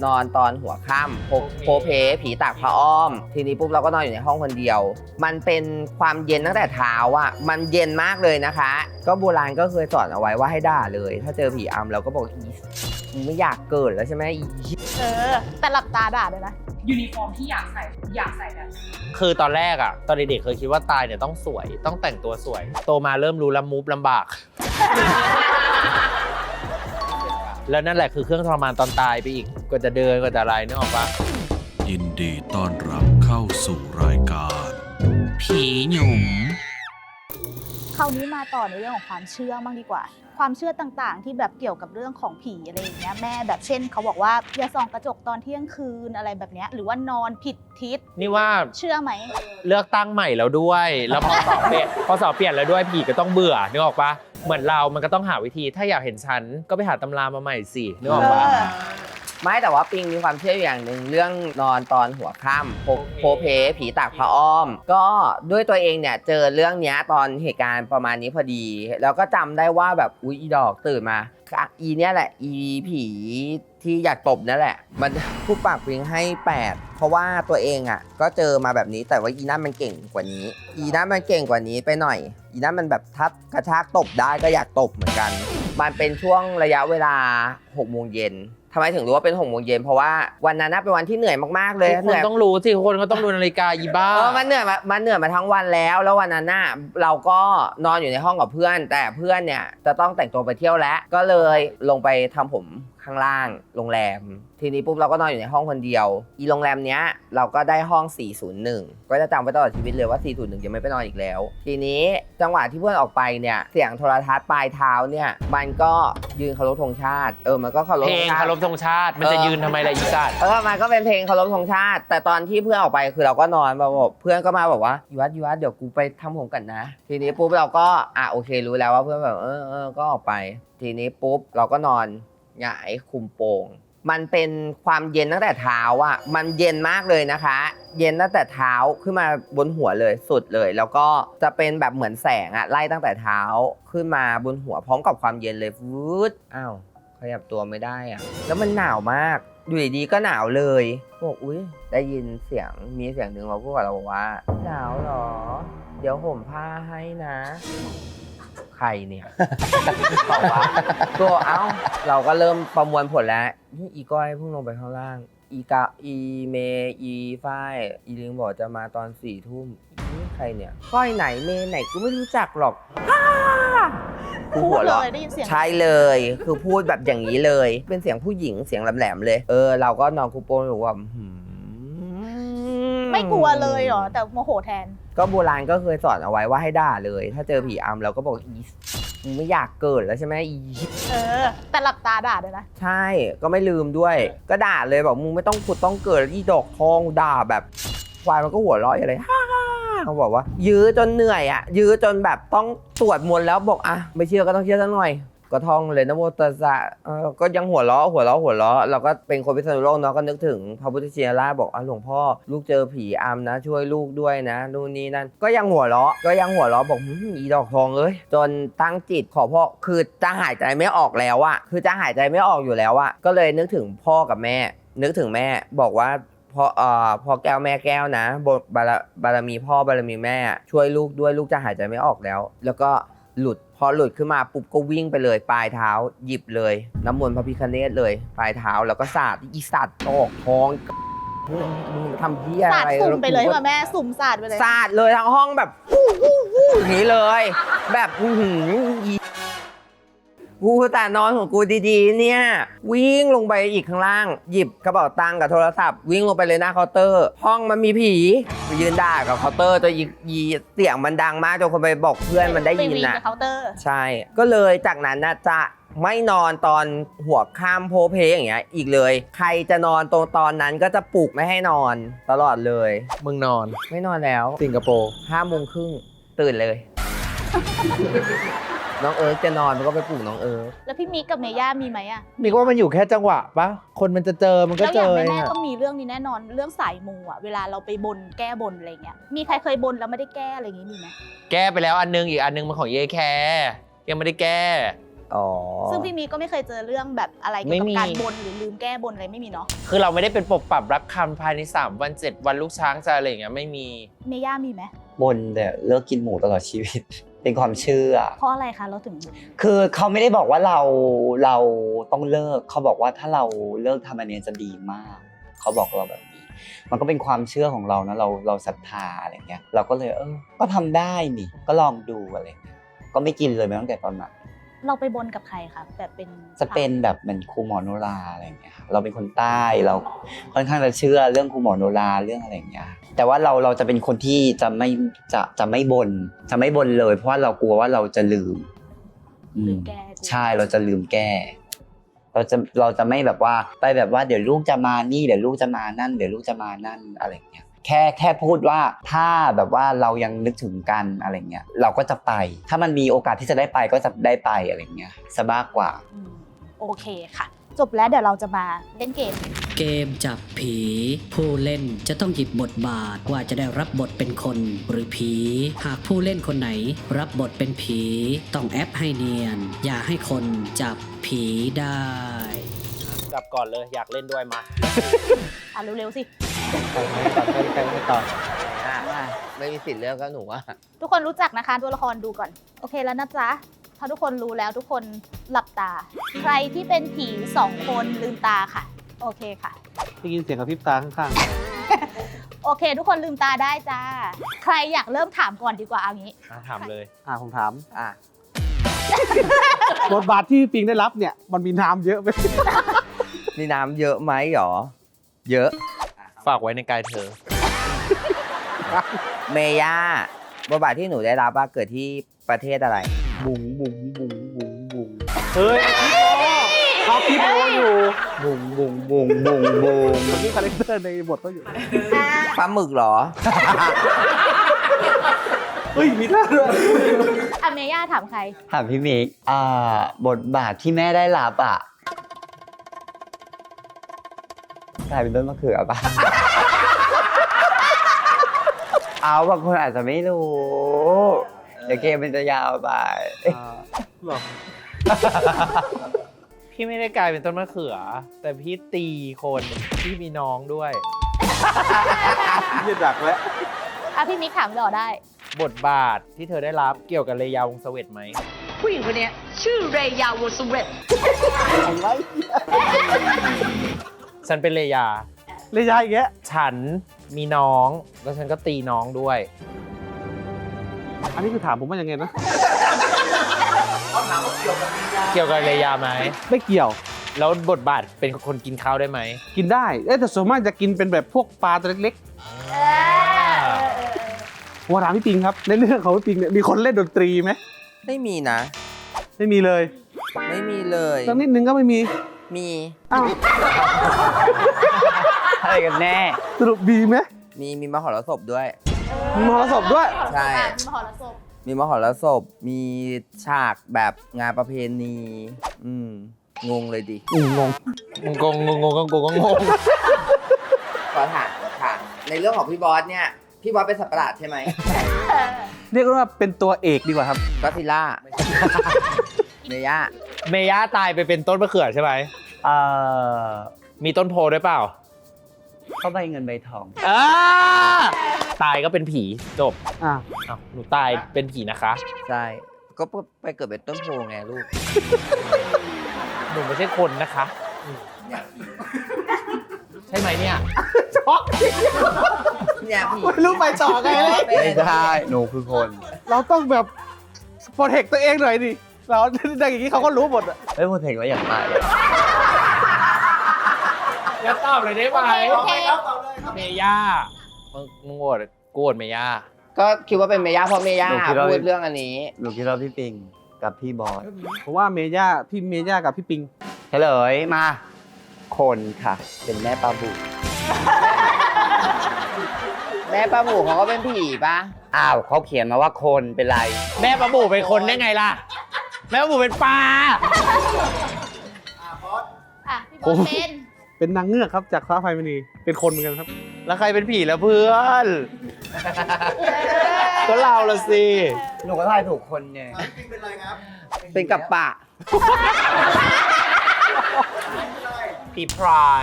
นอนตอนหัวค่ำโพเพผีตากผ้าอ้อมทีนี้ปุ๊บเราก็นอนอยู่ในห้องคนเดียวมันเป็นความเย็นตั้งแต่เท้าอ่ะมันเย็นมากเลยนะคะก็โบราณก็เคยสอนเอาไว้ว่าให้ด่าเลยถ้าเจอผีอำเราก็บอกอีไม่อยากเกิดแล้วใช่ไหมแต่หลับตาด่าเลยนะยูนิฟอร์มที่อยากใส่แบบคือตอนแรกอะตอนเด็กๆเคยคิดว่าตายเนี่ยต้องสวยต้องแต่งตัวสวยโตมาเริ่มรู้แล้วมูฟลำบาก แล้วนั่นแหละคือเครื่องทรมานตอนตายไปอีกก็จะเดินก็จะอะไรนึกออกปะยินดีต้อนรับเข้าสู่รายการผีหยุ่มคราวนี้มาต่อในเรื่องของความเชื่อบ้างดีกว่าความเชื่อต่างๆที่แบบเกี่ยวกับเรื่องของผีอะไรอย่างเงี้ยแม่แบบเช่นเขาบอกว่าอย่าส่องกระจกตอนเที่ยงคืนอะไรแบบเนี้ยหรือว่านอนผิดทิศนี่ว่าเชื่อไหมเลือกตั้งใหม่แล้วด้วยแล้วพอสอบเปลี่ยนแล้วด้วยผีก็ต้องเบื่อนึกออกปะเหมือนเรามันก็ต้องหาวิธีถ้าอยากเห็นฉันก็ไปหาตำรามาใหม่สินึกออกปะไม่แต่ว่าปิงมีความเชื่ออย่างหนึ่งเรื่องนอนตอนหัวค่ำโพเพผีตากผ้าอ้อมก็ด้วยตัวเองเนี่ยเจอเรื่องเนี้ยตอนเหตุการณ์ประมาณนี้พอดีแล้วก็จำได้ว่าแบบอุ๊ยอีดอกตื่นมาอีเนี่ยแหละอีผีที่อยากตบนั่นแหละมันผู้ปากปิงให้8เพราะว่าตัวเองอ่ะก็เจอมาแบบนี้แต่ว่าอีนั่นมันเก่งกว่านี้อีนั่นมันเก่งกว่านี้ไปหน่อยอีนั่นมันแบบทับกระชากตบได้ก็อยากตบเหมือนกันมันเป็นช่วงระยะเวลา6 โมงเย็นทำไมถึงรู้ว่าเป็น6 โมงเย็นเพราะว่าวันนั้นเป็นวันที่เหนื่อยมากๆเลยทุกคนต้องรู้สิคนก็ต้องดูนาฬิกาอีบ้ามันเหนื่อยมาทั้งวันแล้ววันนั้นน่ะเราก็นอนอยู่ในห้องกับเพื่อนแต่เพื่อนเนี่ยจะต้องแต่งตัวไปเที่ยวแล้วก็เลยลงไปทำผมข้างล่างโรงแรมทีนี้ปุ๊บเราก็นอนอยู่ในห้องคนเดียวอีโรงแรมเนี้ยเราก็ได้ห้อง401ก็จะจำไว้ตลอดชีวิตเลยว่า401จะไม่ไปนอนอีกแล้วทีนี้จังหวะที่เพื่อนออกไปเนี่ยเสียงโทรทัศน์ปลายเท้าเนี่ยมันก็ยืนเคารพธงชาติมันก็เคารพเพลงเคารพธงชาติมันจะยืนทำไมล่ะอีสัตว์มันก็เป็นเพลงเคารพธงชาติแต่ตอนที่เพื่อนออกไปคือเราก็นอนบอกเพื่อนก็มาบอกว่ายูวัดเดี๋ยวกูไปทำผมกันนะทีนี้ปุ๊บเราก็โอเครู้แล้วว่าเพื่อนแบบก็ออกไปทีนี้ปุ๊บเราก็นอนหงายคุมโปงมันเป็นความเย็นตั้งแต่เท้าอ่ะมันเย็นมากเลยนะคะเย็นตั้งแต่เท้าขึ้นมาบนหัวเลยสุดเลยแล้วก็จะเป็นแบบเหมือนแสงอ่ะไล่ตั้งแต่เท้าขึ้นมาบนหัวพร้อมกับความเย็นเลยวืดขยับตัวไม่ได้อ่ะแล้วมันหนาวมากอยู่ดีๆก็หนาวเลยบอกอุ๊ยได้ยินเสียงมีเสียงหนึ่งมาพูดกับเราบอกว่าหนาวเหรอเดี๋ยวห่มผ้าให้นะใครเนี่ยบอกว่าก็เราก็เริ่มประมวลผลแล้วอีก้อยเพิ่งลงไปข้างล่างอีเมอีฝ้ายอีลิงบอกจะมาตอน4 ทุ่มนี่ใครเนี่ยก้อยไหนเมไหนกูไม่รู้จักหรอกกูหัวเราะได้ยินเสียงใช่เลยคือพูดแบบอย่างนี้เลยเป็นเสียงผู้หญิงเสียงแหลมๆเลยเราก็นอนคุปโป้อยู่ว่าไม่กลัวเลยเหรอแต่โมโหแทนก็โบราณก็เคยสอนเอาไว้ว่าให้ด่าเลยถ้าเจอผีอำเราก็บอกไม่อยากเกิดแล้วใช่ไหมแต่หลับตาด่าเลยนะใช่ก็ไม่ลืมด้วยก็ด่าเลยบอกมึงไม่ต้องขุดต้องเกิดอีดอกทองด่าแบบควายมันก็หัวเราะอะไรเขาบอกว่ายื้อจนเหนื่อยยื้อจนแบบต้องสวดมนต์แล้วบอกไม่เชื่อก็ต้องเชื่อสักหน่อยก็ท่องเลยนะโมตัสสะก็ยังหัวเราะเราก็เป็นคนพิษณุโลกเนาะก็นึกถึงพระพุทธชินราชบอกหลวงพ่อลูกเจอผีอำนะช่วยลูกด้วยนะนู่นนี่นั่นก็ยังหัวเราะบอกอีดอกทองจนตั้งจิตขอพ่อคือจะหายใจไม่ออกแล้วคือจะหายใจไม่ออกอยู่แล้วก็เลยนึกถึงพ่อกับแม่นึกถึงแม่บอกว่าพ่อแก้วแม่แก้วนะบารมีพ่อบารมีแม่ช่วยลูกด้วยลูกจะหายใจไม่ออกแล้วก็พอหลุดขึ้นมาปุ๊บก็วิ่งไปเลยปลายเท้าหยิบเลยน้ำมนต์พระพิฆเนศเลยปลายเท้าแล้วก็สาดอีสัตว์ตอกท้องมึงทำเหี้ยอะไรสาดสุ่มไปเลยป่ะแม่สุ่มสาดไปเลยสาดเลยทั้งห้องแบบอย่างนี้เลยแบบกูแต่นอนของกูดีๆเนี่ยวิ่งลงไปอีกข้างล่างหยิบกระเป๋าตังค์กับโทรศัพท์วิ่งลงไปเลยหน้าเคาน์เตอร์ห้องมันมีผีไปยืนด่ากับเคาน์เตอร์จนยีเสียงมันดังมากจนคนไปบอกเพื่อนมันได้ยินใช่ก็เลยจากนั้นจะไม่นอนตอนหัวค่ำโพเพอย่างเงี้ยอีกเลยใครจะนอนตอนนั้นก็จะปลุกไม่ให้นอนตลอดเลยมึงนอนไม่นอนแล้วสิงคโปร์ 5 โมงครึ่งตื่นเลยน้องจะนอนมันก็ไปปลุกน้องแล้วพี่มิกกับเมย่ามีไหมมิกว่ามันอยู่แค่จังหวะปะคนมันจะเจอมันก็เจอแล้วอย่างแม่ต้องมีเรื่องนี้แน่นอนเรื่องสายมูเวลาเราไปบนแก้บนอะไรเงี้ยมีใครเคยบนแล้วไม่ได้แก้อะไรอย่างงี้มีไหมแก้ไปแล้วอันนึงอีกอันนึงมันของเยแคร์ยังไม่ได้แก้อ๋อซึ่งพี่มีก็ไม่เคยเจอเรื่องแบบอะไรเกี่ยวกับการบนหรือลืมแก้บนอะไรไม่มีเนาะคือเราไม่ได้เป็นปรับปรับรับคำภายใน3 วัน 7 วันลูกช้างจะอะไรอย่างเงี้ยไม่มีเมย่ามีไหมบนแต่เลิกกินหมูตลอดชีวิต เป็นความเชื่อเพราะอะไรคะเราถึงคือเขาไม่ได้บอกว่าเราต้องเลิกเขาบอกว่าถ้าเราเลิกทำอันเนี้ยจะดีมากเขาบอกเราแบบนี้ มันก็เป็นความเชื่อของเรานะเราศรัทธาอะไรเงี้ยเราก็เลยก็ทำได้นี่ก็ลองดูอะไรเงี้ยก็ไม่กินเลยมาตั้งแต่ตอนนั้นเราไปบนกับใครคะแบบเป็นจะเป็นแบบเหมือนครูหมอโนราอะไรเงี้ยครับเราเป็นคนใต้เราค่อนข้างจะเชื่อเรื่องครูหมอโนราเรื่องอะไรเงี้ยแต่ว่าเราจะเป็นคนที่จะไม่บนเลยเพราะว่าเรากลัวว่าเราจะลืมลืมแก้ใช่เราจะลืมแก้ เราจะไม่แบบว่าไปแบบว่าเดี๋ยวลูกจะมานี่เดี๋ยวลูกจะมานั่นเดี๋ยวลูกจะมานั่นอะไรเงี้ยแค่พูดว่าถ้าแบบว่าเรายังนึกถึงกันอะไรเงี้ยเราก็จะไปถ้ามันมีโอกาสที่จะได้ไปก็จะได้ไปอะไรเงี้ยซะมากกว่าโอเคค่ะ จบแล้วเดี๋ยวเราจะมาเล่นเกมเกมจับผี ผู้เล่นจะต้องหยิบบทบาทว่าจะได้รับบทเป็นคนหรือผี หากผู้เล่นคนไหนรับบทเป็นผี ต้องแอปให้เนียน อย่าให้คนจับผีได้กลับก่อนเลยอยากเล่นด้วยมาอ่ะเร็วๆสิไปต่อไม่มีสิทธิ์เลือกก็หนูว่าทุกคนรู้จักนะคะตัวละครดูก่อน โอเคแล้วนะจ๊ะ ถ้าทุกคนรู้แล้วทุกคนหลับตา ใครที่เป็นผี2 คนลืมตาค่ะ โอเคค่ะได้ยินเสียงกระพริบตาข้างโอเค ทุกคนลืมตาได้จ้า ใครอยากเริ่มถามก่อนดีกว่าเอางี้ถามเลยๆผมถามอ่ะบทบาทที่ปิงได้รับเนี่ยมันมีน้ำเยอะไหมมีน้ำเยอะไหมหรอ เยอะฝากไว้ในกายเธอเมย่าบทบาทที่หนูได้รับว่าเกิดที่ประเทศอะไรบุ๋งบุ๋งบุ๋งบุ๋งบุ๋งเฮ้ยเขาคิดโออยู่บุงบุงบุงบุงบุงเมื่อกี้คาแรคเตอร์ในบทเขาอยู่ปลาหมึกเหรอเฮ้ยมีหน้าด้วยอ่ะเมย่าถามใครถามพี่มิกบทบาทที่แม่ได้รับกลายเป็นต้นมะเขือป่ะ เอาบางคนอาจจะไม่รู้ เดี๋ยวเกมมันจะยาวไปหรอพี่ไม่ได้กลายเป็นต้นมะเขือ แต่พี่ตีคนพี่มีน้องด้วยยืดดักแล้วอ่ะพี่มิกถามต่อได้บทบาทที่เธอได้รับเกี่ยวกับเลยาวงศ์เสวตไหมผู้หญิงคนเนี้ยชื่อเรยาวสเวตฉันเป็นเลยาเลยยายอีกแกฉันมีน้องแล้วฉันก็ตีน้องด้วยอันนี้คือถามผมว่ายังไงนะเกี่ยวกับเลยาไหมไม่เกี่ยวแล้วบทบาทเป็นคนกินข้าวได้ไหมกินได้แต่ส่วนมากจะกินเป็นแบบพวกปลาตัวเล็กๆว่าถามพี่ปิงครับ ในเรื่องของพี่ปิงเนี่ยมีคนเล่นดนตรีไหมไม่มีนะไม่มีเลยไม่มีเลยสักนิดนึงก็ไม่มีมีอ้าวอะไรกันแน่สรุปมีไหมมีมหรสพด้วยมีมหรสพด้วยใช่มหรสพมีมหรสพ มีฉากแบบงานประเพณี งงเลยดิงงงงก็งงขอถามค่ะ ในเรื่องของพี่บอสเนี่ย พี่บอสเป็นสัตว์ประหลาดใช่ไหมเรียกว่าเป็นตัวเอกดีกว่าครับก็อดซิลล่า เมย่าเมย่าตายไปเป็นต้นมะเขือใช่ไหม มีต้นโพด้วยเปล่าก็ใบเงินใบทองตายก็เป็นผีจบอ่าอ้าวหนูตายเป็นผีนะคะใช่ ก็ไปเกิดเป็นต้นโพไงลูกหนูไม่ใช่คนนะคะใช่ไหมเนี่ยเนี่ยพี่ไม่รู้ไปต่อไงเลยไม่ได้หนูคือคนเราต้องแบบโปรเทคตัวเองหน่อยดิ เราดังอย่างนี้เขาก็รู้หมดอะเฮ้ยพูดถึงว่าอยากตายเลยแล้วตอบเลยได้ไหมโอเคเมย่ามึงโหวตกูโหวตเมย่าก็คิดว่าเป็นเมย่าเพราะเมย่าพูดเรื่องอันนี้หนูคิดว่าพี่ปิงกับพี่บอสผมว่าเมย่าพี่เมย่ากับพี่ปิงเฉลยมา คนค่ะ เป็นแม่ปลาบูแม่ปลาหมูเขาก็เป็นผีปะอ้าวเขาเขียนมาว่าคนเป็นไรแม่ปลาบูเป็นคนได้ไงล่ะ แม่ปลาบูเป็นปลาอ่ะพี่บอสเป็นเป็นนางเงือกครับจากฟ้าไฟมณีเป็นคนเหมือนกันครับแล้วใครเป็นผีแล้วเพื่อน ก็เราละสิหนูก็ทายถูกคนไงเป็นกับปะผีพราย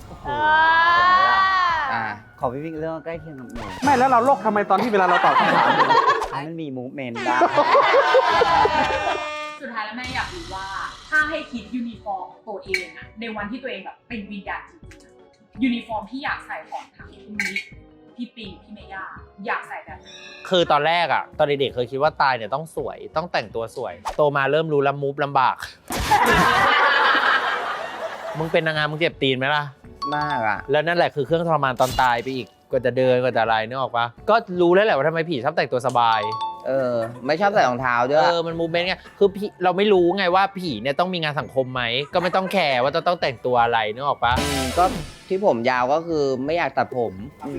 อ่าขอพี่พิงเรื่องใกล้เคียงกับหนูไม่แล้วเราโลกทำไมตอนที่เวลาเราตอบคำถามเนี่ยให้มันมีมูฟเมนต์ได้สุดท้ายแล้วแม่อยากรู้ว่า ถ้าให้คิดยูนิฟอร์มของตัวเองอะในวันที่ตัวเองแบบเป็นวิญญาณจริงๆยูนิฟอร์มที่อยากใส่ของทั้งคุณมิกพี่ปิงพี่เมย่าอยากใส่แบบไหนคือตอนแรกอะตอนเด็กๆเคยคิดว่าตายเนี่ยต้องสวยต้องแต่งตัวสวย โตมาเริ่มรู้แล้วมูฟลำบาก มึงเป็นนางงามมึงเจ็บตีนไหมล่ะมากอ่ะแล้วนั่นแหละคือเครื่องทรมานตอนตายไปอีกกว่าจะเดินกว่าจะอะไรนึกออกปะก็รู้แล้วแหละว่าทำไมผีชอบแต่งตัวสบายไม่ชอบใส่รองเท้าด้วยมันมูเมนต์ไงคือผีเราไม่รู้ไงว่าผีเนี่ยต้องมีงานสังคมไหมก็ไม่ต้องแคร์ว่าจะต้องแต่งตัวอะไรนึกออกปะก็ที่ผมยาวก็คือไม่อยากตัดผม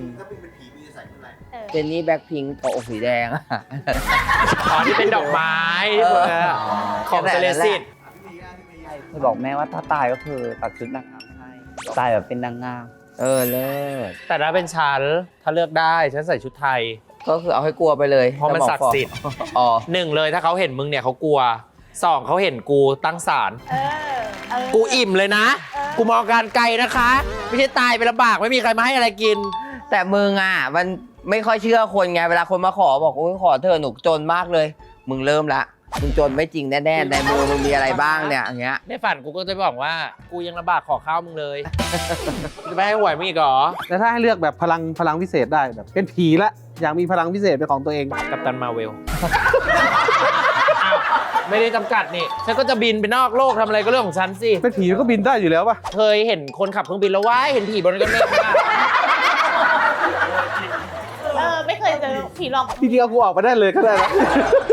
เจนนี่แบ็คพิงค์ปกสีแดงอะอ๋อที่เป็นดอกไม้ของเซเลสิตเคยบอกแม่ว่าถ้าตายก็คือตัดชุดนางงามให้ตายแบบเป็นนางงามเลิศแต่ถ้าเป็นฉันถ้าเลือกได้ฉันใส่ชุดไทยก็คือเอาให้กลัวไปเลยเพราะมันศักดิ์สิทธิ์อ๋อหนึ่งเลยถ้าเขาเห็นมึงเนี่ยเขากลัวสองเขาเห็นกูตั้งศาลกูอิ่มเลยนะ กูมองการไกลนะคะ ไม่ใช่ตายไปลำบากไม่มีใครมาให้อะไรกินแต่มึงอ่ะมันไม่ค่อยเชื่อคนไงเวลาคนมาขอบอกโอ้ยขอเธอะหนูจนมากเลย มึงเริ่มละมึงจนไม่จริงแน่ๆในมือมึงมีอะไรบ้างเนี่ยอย่างเงี้ยในฝันกูก็จะบอกว่ากูยังลำบากขอข้าวมึงเลย จะไม่ให้หวยมึงอีกเหรอแต่ถ้าให้เลือกแบบพลังพิเศษได้แบบเป็นผีละอยากมีพลังพิเศษเป็นของตัวเองกัปตันมาเวล ไม่ได้จำกัดนี่ฉันก็จะบินไปนอกโลกทำอะไรก็เรื่องของฉันสิเป็นผีมันก็บินได้อยู่แล้วป่ะเคยเห็นคนขับเครื่องบินแล้วว้ายเห็นผีบนกันเมฆไหมล่ะไม่เคยเจอผีหลอกจริงๆเอากูออกไปได้เลยก็ได้นะ